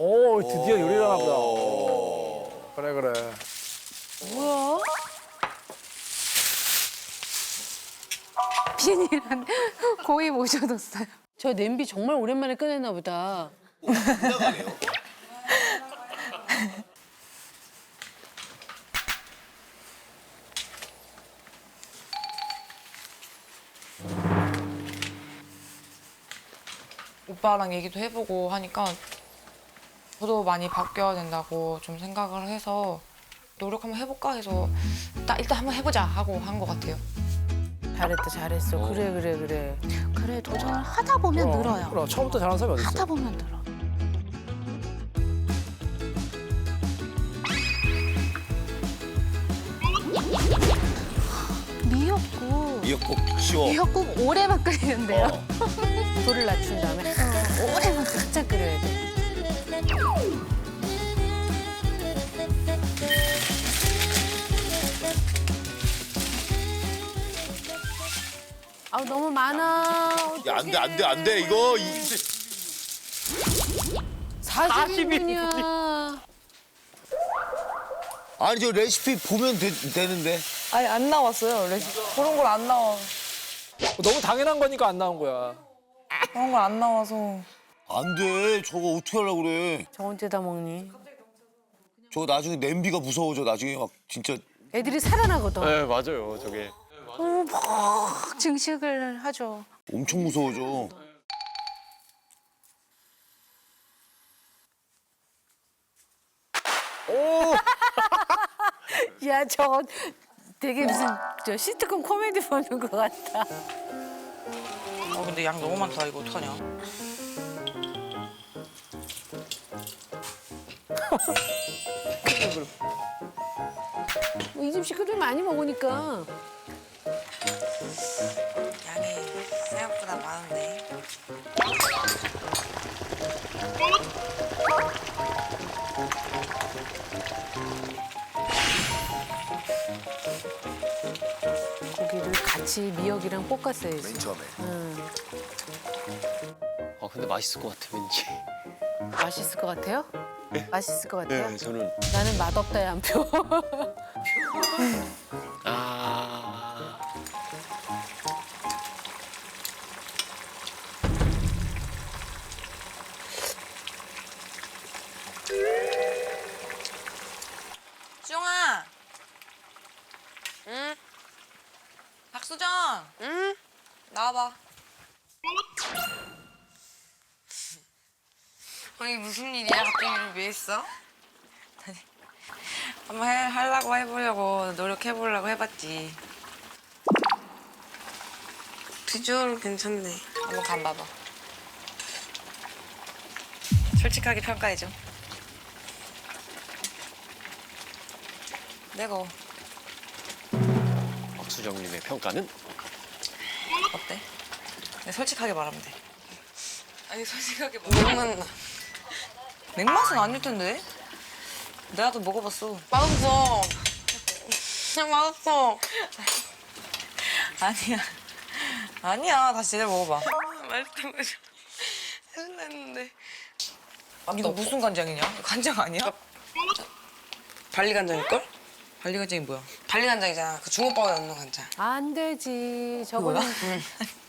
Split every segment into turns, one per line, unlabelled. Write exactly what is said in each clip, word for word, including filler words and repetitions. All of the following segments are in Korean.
오, 드디어 요리를 하나 보다. 그래, 그래.
뭐야? 비닐한 고이 모셔뒀어요. 저 냄비 정말 오랜만에 꺼냈나 보다.
지나가네요.
오빠랑 얘기도 해보고 하니까 저도 많이 바뀌어야 된다고 좀 생각을 해서 노력 한번 해볼까 해서 딱 일단 한번 해보자 하고 한 것 같아요.
잘했다, 잘했어. 그래, 그래, 그래. 그래, 도전을 하다 보면
그럼,
늘어요.
그럼 처음부터 잘하는 사람이 어디 있어?
하다 보면 늘어. 미역국.
미역국 쉬워.
미역국 오래만 끓이는데요.
어.
불을 낮춘 다음에 어, 오래만 살짝 끓여야 돼. 아 너무 많아.
야, 안 돼, 안 돼, 안 돼. 이거 이,
사십 인분이야.
아니 저 레시피 보면 되, 되는데.
아니 안 나왔어요. 레시피. 그런 걸 안 나와.
너무 당연한 거니까 안 나온 거야.
그런 걸 안 나와서.
안 돼. 저거 어떻게 하려고 그래.
저 언제 다 먹니?
저거 나중에 냄비가 무서워져. 나중에 막 진짜.
애들이 살아나거든.
네, 맞아요. 저게.
어, 막 증식을 하죠.
엄청 무서워져.
야, 저 되게 무슨 저 시트콤 코미디 보는 것 같다.
어 근데 양 너무 많다. 이거 어떡하냐.
이 집 식구들 많이 먹으니까.
양이 생각보다 많은데.
고기를 같이 미역이랑 볶았어야지.
맨 처음에.
음,
아, 근데 맛있을 것 같아, 왠지.
맛있을 것 같아요? 맛있을 것 같아요?
네, 저는.
나는 맛없다의 한 표.
아.
수정아. 응? 박수정. 응? 나와봐. 아니 무슨 일이야? 갑자기 일을 왜 했어? 아니, 한번 해, 하려고 해보려고 노력해보려고 해봤지. 비주얼은 괜찮네. 한번 간봐봐. 솔직하게 평가해줘. 내가
박수정님의 평가는?
어때? 그냥 솔직하게 말하면 돼. 아니 솔직하게 말하면 맥맛 맥맛은 아닐 텐데. 내가 또 먹어봤어. 맛없어. 그냥 맛없어. 아니야. 아니야. 다시 제대로 먹어봐. 맛있다 맛있어. 해준다 했는데. 이거 무슨 간장이냐? 이거 간장 아니야? 발리 간장일걸? 발리 간장이 뭐야? 발리 간장이잖아. 그 중국밥에 넣는 간장.
안 되지. 저거는
응.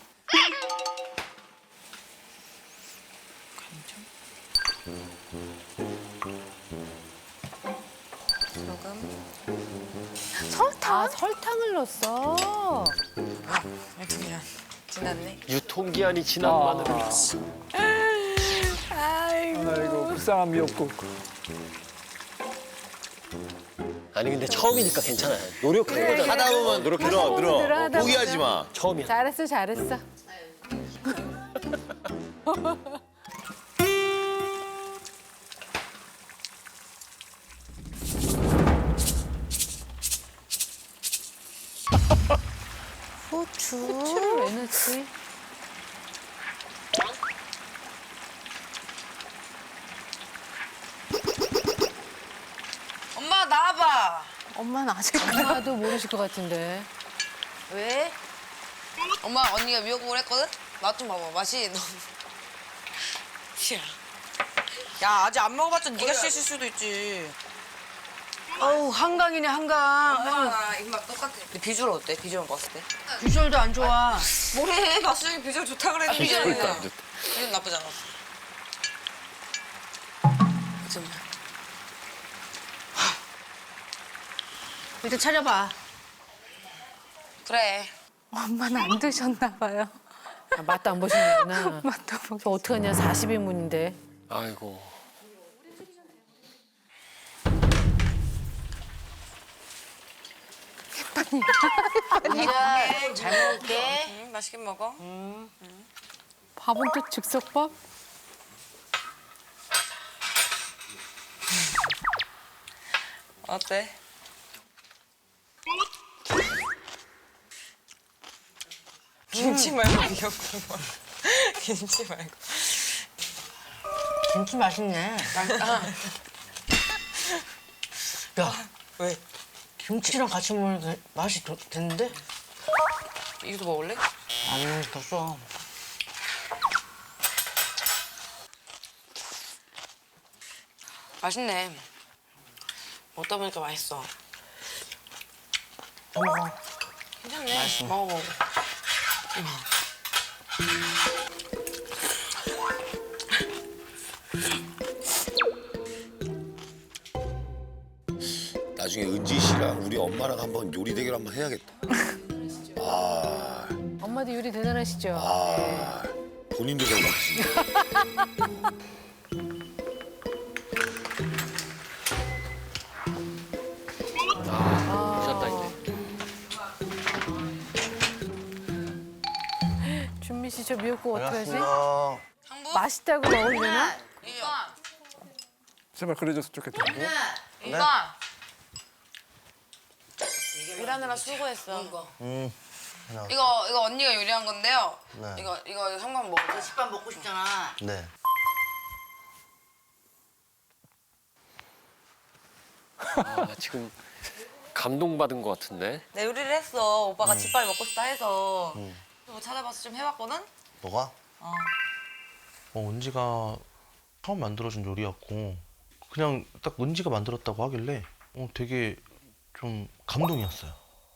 소금.
설탕? 아, 설탕을 넣었어.
아, 그냥 지났네.
유통기한이 지난 마늘을 넣었어.
아이고, 불쌍한 미역국.
아니, 근데 처음이니까 괜찮아요. 노력한 거잖아.
하다 보면
노력해.
늘어,
하다 보면 늘어,
늘어.
하다
포기하지
보면.
마.
처음이야.
잘했어, 잘했어. 후추. 후추를 왜 넣지?
엄마 나와봐.
엄마는 아직 엄마도 모르실 것 같은데.
왜? 엄마 언니가 미역국을 했거든? 맛 좀 봐봐. 맛이 너무. 야. 야 아직 안 먹어봤자 네가 씻을 수도 있지.
어우 한강이네 한강.
엄마랑 입맛 똑같아. 근데 비주얼 어때? 비주얼 봤을 때?
비주얼도 안 좋아.
뭐래? 봤을 때 비주얼 좋다 그랬는데.
비주얼도 안 좋다.
비주얼 나쁘지 않았어. 좀.
일단 차려봐.
그래.
엄마는 안 드셨나 봐요. 아, 맛도 안 보시는구나. 맛도 보. 저 어떡하냐 사십 인분인데.
아이고.
이자 잘 먹을게.
응, 맛있게 먹어.
밥은 또 즉석밥?
어때? 김치 말고 미역국. 김치 말고.
김치 맛있네.
맛있다.
야,
왜?
김치랑 같이 먹으니까 맛이 더, 됐는데?
이것도 먹을래?
아니, 더 써.
맛있네. 먹다 보니까 맛있어.
더 먹어.
괜찮네. 맛있어. 먹어 먹어.
나중에 은지 씨랑 우리 엄마랑 한번 요리 대결 한번 해야겠다. 아,
엄마도 요리 대단하시죠?
아, 본인도 잘 먹지.
오셨다 이제.
준미 씨 저 미역국 어떡하지?
반갑습니다.
맛있다고 먹으려나?
제발 그래줬으면 좋겠다.
이봐. 일하느라 수고했어.
음,
이거 이거 언니가 요리한 건데요.
네.
이거 이거 형광 먹어.
식빵 먹고 싶잖아.
네.
아, 지금 감동받은 것 같은데.
내 요리를 했어. 오빠가 집밥 먹고 싶다 해서. 뭐 찾아봐서 좀 해봤거든.
뭐가?
어.
어, 은지가 처음 만들어준 요리였고 그냥 딱 은지가 만들었다고 하길래 어, 되게 좀 감동이었어요.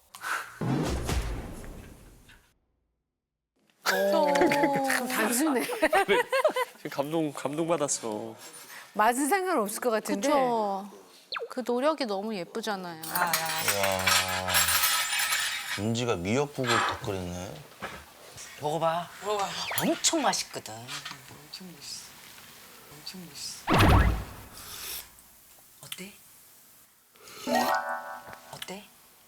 좀 단순해.
지금 감동 감동받았어.
맛은 상관없을 것 같은데.
그쵸. 그 노력이 너무 예쁘잖아요.
아, 야.
와, 은지가 미역국을 덧끓였네.
먹어봐.
먹어봐.
엄청 맛있거든.
엄청 맛있어. 엄청 맛있어.
어때? 어때?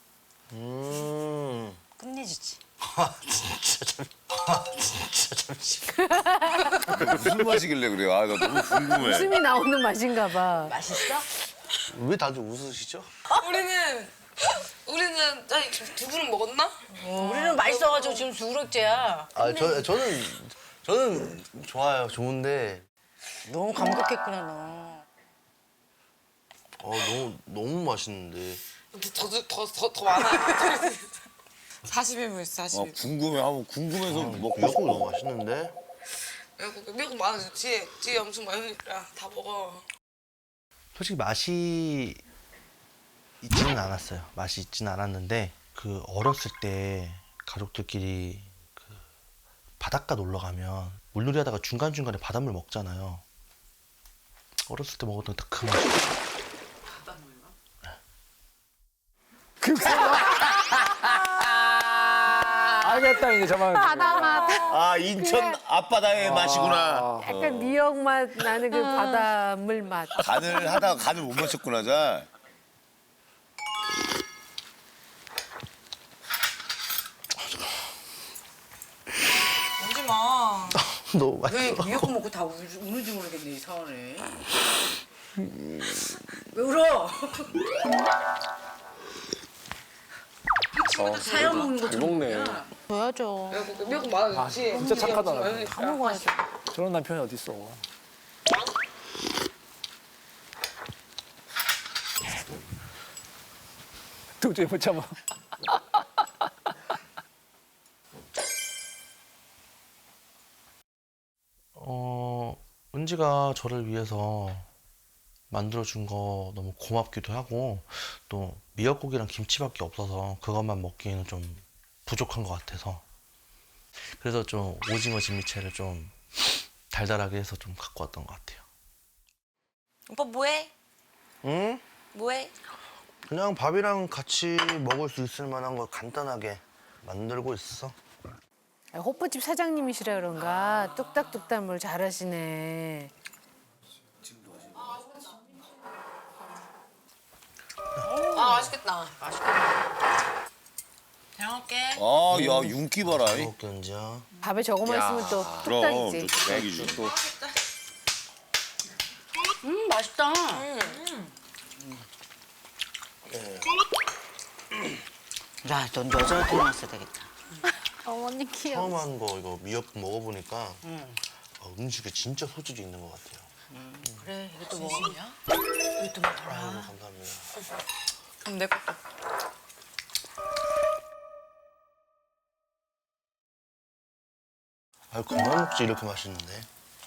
음.
끝내주지.
아, 진짜 참. 아, 진짜 잠시.
무슨 맛이길래 그래요? 아, 나 너무 궁금해.
웃음이 나오는 맛인가 봐. 맛있어?
왜 다들 웃으시죠?
우리는 우리는 아니 두 분은 먹었나?
우리는 맛있어가지고 지금 두 그릇째야.
아, 저 저는 저는 좋아요. 좋은데
너무 감격했구나 너.
어, 너무 너무 맛있는데.
더더더더 많아. 사십 인분 있어. 사십
어,
인분.
궁금해. 한번 궁금해서 먹고
미역국
싶어.
너무 맛있는데.
미역국 미역국 많아. 뒤에 뒤에 엄청 많으니까 다 먹어.
솔직히 맛이 있지는 않았어요. 맛이 있지는 않았는데 그 어렸을 때 가족들끼리 그 바닷가 놀러 가면 물놀이 하다가 중간중간에 바닷물 먹잖아요. 어렸을 때 먹었던 딱 그 맛이.
알겠다 이제 저만.
아, 인천 앞바다의 맛이구나.
약간 미역 맛 나는 그 바닷물 맛.
간을 하다가 간을 못 맞췄구나, 잘.
울지 마.
너무 맛있어.
미역국 먹고 다 우, 우는지 모르겠네 이상하네. 왜 울어? 사연 먹는
잘
것처럼.
먹네.
줘야죠.
미역국 많아.
아,
뒤에
진짜
뒤에
착하다.
엄청 많으니까.
다 먹어야죠.
저런 남편이 어디 있어? 도저히 못 참아.
어 은지가 저를 위해서 만들어준 거 너무 고맙기도 하고 또 미역국이랑 김치밖에 없어서 그것만 먹기에는 좀 부족한 것 같아서 그래서 좀 오징어 진미채를 좀 달달하게 해서 좀 갖고 왔던 것 같아요.
오빠 뭐해?
응?
뭐해?
그냥 밥이랑 같이 먹을 수 있을 만한 걸 간단하게 만들고 있어.
호프집 사장님이시라 그런가 뚝딱뚝딱 뭘 잘하시네.
아 맛있겠다. 맛있겠다. 잘 먹게.
아, 야, 윤기 봐라. 이.
먹게 은지야.
밥에 저거만 있으면 또
그럼,
뚝딱이지.
또 대박이지.
음 맛있다.
야, 넌 여자로 태어났어야 되겠다.
어머니 귀여워.
처음 한 거 이거 미역국 먹어보니까 아, 음식에 진짜 소질이 있는 것 같아요.
그래, 이것도 먹어.
아이고, 감사합니다.
그럼 내 것도.
아, 그만 먹지 이렇게 맛있는데.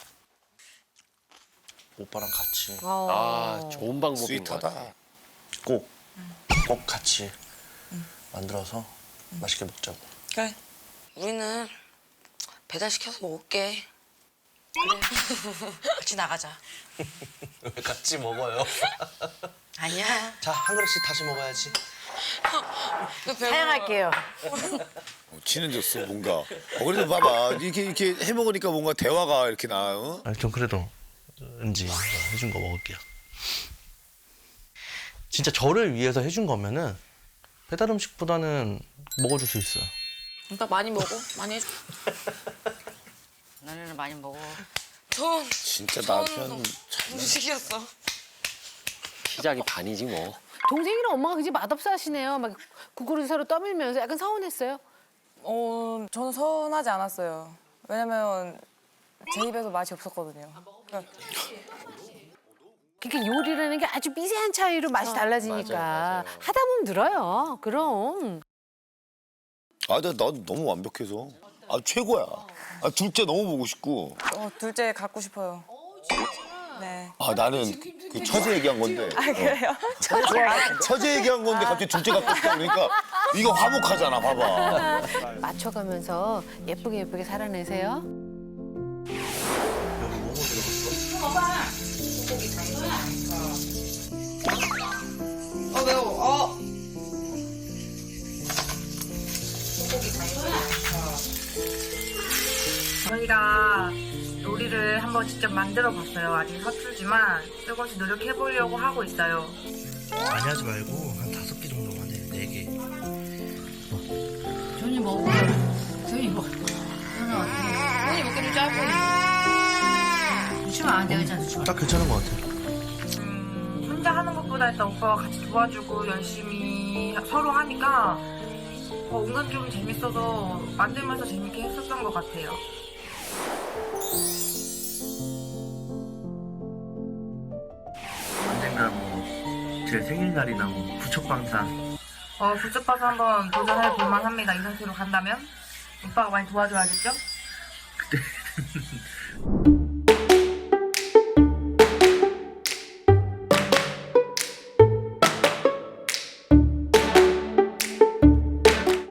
오빠랑 같이
어.
아, 좋은 방법인 것 같아.
스윗하다.
꼭, 꼭 같이 만들어서 맛있게 먹자고.
그래. 우리는 배달 시켜서 먹을게. 그래. 같이 나가자.
왜 같이 먹어요?
아니야.
자, 한 그릇씩 다시 먹어야지.
사양할게요.
어, 친해졌어, 뭔가. 어, 그래도 봐봐. 이렇게, 이렇게 해 먹으니까 뭔가 대화가 이렇게 나, 어?
아니, 전 그래도 은지가 해준 거 먹을게요. 진짜 저를 위해서 해준 거면은 배달 음식보다는 먹어줄 수 있어요.
오빠 많이 먹어. 많이 해줘.
너네는 많이 먹어.
전
진짜 남편.
음식이었어.
시작이 반이지 뭐.
동생이랑 엄마가 그지 맛없어 하시네요. 막 국그릇 서로 떠밀면서 약간 서운했어요.
어, 저는 서운하지 않았어요. 왜냐면 제 입에서 맛이 없었거든요. 그러니까
그러니까 요리라는 게 아주 미세한 차이로 맛이 달라지니까
맞아요, 맞아요.
하다 보면 늘어요. 그럼.
아, 나, 난 너무 완벽해서. 아, 최고야. 아, 둘째 너무 보고 싶고.
어, 둘째 갖고 싶어요. 네.
아, 나는 그 처제 얘기한 건데.
아, 그래요?
처제 얘기한 건데 갑자기 둘째 갖고 싶다 그러니까 이거 화목하잖아, 봐봐.
맞춰가면서 예쁘게 예쁘게 살아내세요.
어 매워. 어.
저희가 요리를 한번 직접 만들어 봤어요. 아직 서툴지만 조금씩 노력해 보려고 하고 있어요.
많이 하지 말고 한 다섯 개 정도만 해. 네 개.
조니 먹어. 조니 먹어. 조니 먹기도 짧고. 주시면 안 되잖아.
딱 괜찮은 것 같아요.
음, 혼자 하는 것보다 일단 오빠가 같이 도와주고 열심히 서로 하니까 어, 은근 좀 재밌어서 만들면서 재밌게 했었던 것 같아요.
언젠가 뭐제 생일날이나 뭐 부척방산.
어, 부쩍봐서 한번 도전해 볼만 합니다. 이 상태로 간다면 오빠가 많이 도와줘야겠죠?
그때